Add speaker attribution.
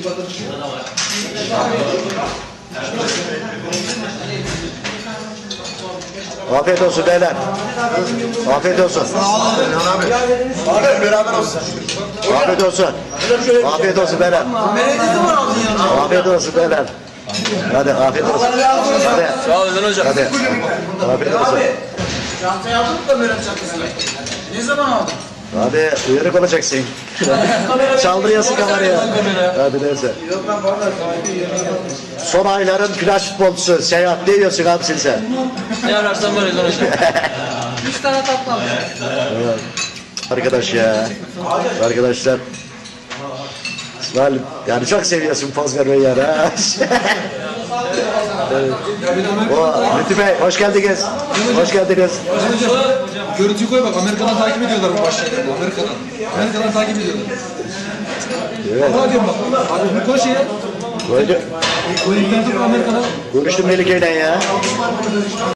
Speaker 1: Afiyet olsun beyler. Afiyet olsun.
Speaker 2: Abi beraber olsun.
Speaker 1: Afiyet olsun. Afiyet olsun beyler. Afiyet olsun beyler. Hadi afiyet olsun. Hadi.
Speaker 3: Sağ olun hocam.
Speaker 1: Hadi. Afiyet olsun.
Speaker 2: Çantayı aldık da Meral çantasını. Ne zaman aldın?
Speaker 1: Hadi uyanık olacaksın. Çaldırıyorsun kamerayı. Hadi neyse. Son ayların plaj futbolcusu Seyahat ne diyorsun abi sen?
Speaker 3: Ne ararsan var hocam.
Speaker 2: 3 tane tatlı aldım.
Speaker 1: Arkadaş ya. Arkadaşlar. İsmail yani çok seviyorsun poz vermeyi yani ha. Evet. Lütfü Bey hoş geldiniz. Hoş geldiniz.
Speaker 4: Görüntüyü koy bak, Amerika'dan takip ediyorlar bu başlıkları. Amerika'dan takip ediyorlar.
Speaker 1: Evet.
Speaker 4: Hadi diyorum bak. Hadi bir koy şeye.
Speaker 1: Koydu.
Speaker 4: Koy internete Amerika'dan.
Speaker 1: Görüştüm Melike'yle ya.